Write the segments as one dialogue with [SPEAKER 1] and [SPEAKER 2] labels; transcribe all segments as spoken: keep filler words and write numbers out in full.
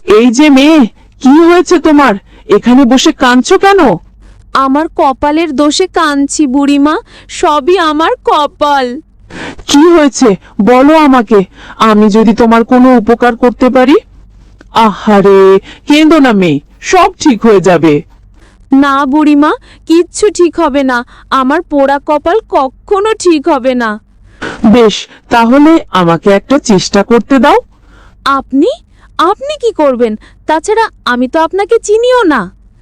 [SPEAKER 1] এই যে মেয়ে, কি হয়েছে তোমার? এখানে বসে কাঁদছো কেন?
[SPEAKER 2] আমার কপালের দোষে কাঁদছি বুড়িমা, সবই আমার কপাল।
[SPEAKER 1] কি হয়েছে বলো আমাকে, আমি যদি তোমার কোনো উপকার করতে পারি। আহারে, কেঁদো না মেয়ে, সব ঠিক হয়ে যাবে।
[SPEAKER 2] না বুড়িমা, কিচ্ছু ঠিক হবে না। আমার পোড়া কপাল কখনো ঠিক হবে না।
[SPEAKER 1] বেশ, তাহলে আমাকে একটা চেষ্টা করতে দাও।
[SPEAKER 2] আপনি আপনি কি করবেন? তাছাড়া আমি তো আপনাকে চিনিও না।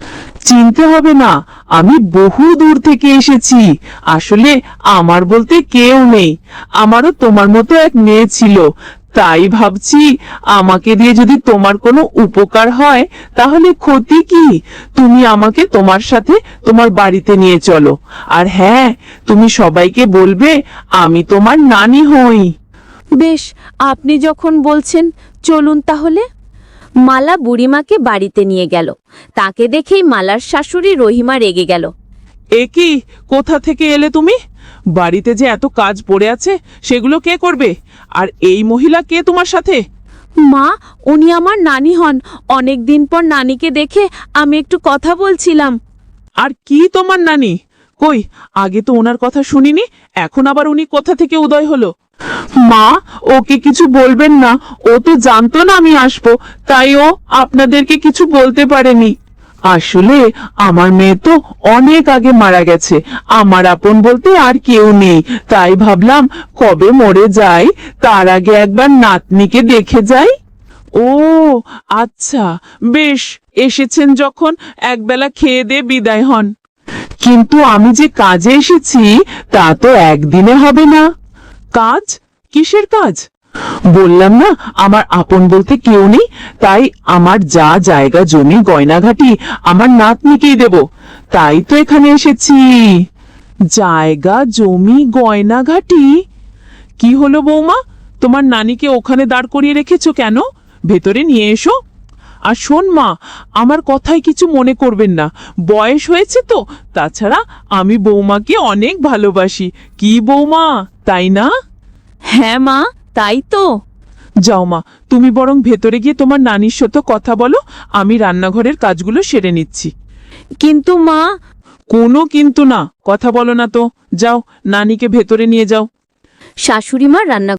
[SPEAKER 1] চিনতে হবে না, আমি বহু দূর থেকে এসেছি। আসলে আমার বলতে কেউ নেই, আমারও তোমার মতো এক মেয়ে ছিল। তাই ভাবছি আমাকে দিয়ে যদি তোমার কোনো উপকার হয় তাহলে ক্ষতি কি। তুমি আমাকে তোমার সাথে তোমার বাড়িতে নিয়ে চলো। আর হ্যাঁ, তুমি সবাইকে বলবে আমি তোমার নানি হই।
[SPEAKER 2] বেশ, আপনি যখন বলছেন, চলুন তাহলে। মালা বুড়িমাকে বাড়িতে নিয়ে গেল। তাকে দেখেই মালার শাশুড়ি রহিমা রেগে গেল।
[SPEAKER 1] এ কি, কোথা থেকে এলে তুমি? বাড়িতে যে এত কাজ পড়ে আছে সেগুলো কে করবে? আর এই মহিলা কে তোমার সাথে?
[SPEAKER 2] মা, উনি আমার নানি হন। অনেক দিন পর নানিকে দেখে আমি একটু কথা বলছিলাম।
[SPEAKER 1] আর কি তোমার নানি? কই, আগে তো ওনার কথা শুনিনি, এখন আবার উনি কোথা থেকে উদয় হলো? মা, ওকে কিছু বলবেন না, ও তো জানতো না আমি আসবো, তাই ও আপনাদেরকে কিছু বলতে পারেনি। আসলে আমার মেয়ে তো অনেক আগে মারা গেছে, আমার আপন বলতে আর কেউ নেই। তাই ভাবলাম কবে মরে যাই তার আগে একবার নাতনিকে দেখে যাই। ও আচ্ছা, বেশ, এসেছেন যখন একবেলা খেয়ে দিয়ে বিদায় হন। কিন্তু আমি যে কাজে এসেছি তা তো একদিনে হবে না। কাজ? কিসের কাজ? বললাম না আমার আপন বলতে কেউ নেই, তাই আমার যা জায়গা জমি গয়নাঘাটি আমার নাতনিকেই দেব। তাই তো এখানে এসেছি। জায়গা জমি গয়নাঘাটি? কি হলো বৌমা, তোমার নানিকে ওখানে দাঁড় করিয়ে রেখেছো কেন? ভেতরে নিয়ে এসো। আর শোন মা, আমার কথায় কিছু মনে করবেন না, বয়স হয়েছে তো। তাছাড়া আমি বৌমাকে অনেক ভালোবাসি। কি বৌমা, তাই না?
[SPEAKER 2] হ্যাঁ মা, তাই তো।
[SPEAKER 1] যাও মা, তুমি বরং ভেতরে গিয়ে তোমার নানির সাথে কথা বলো, আমি রান্নাঘরের কাজগুলো সেরে নিচ্ছি।
[SPEAKER 2] কিন্তু মা।
[SPEAKER 1] কোনো কিন্তু না, কথা বলো না তো। যাও, নানিকে ভেতরে নিয়ে যাও।
[SPEAKER 2] শাশুড়ি মা রান্না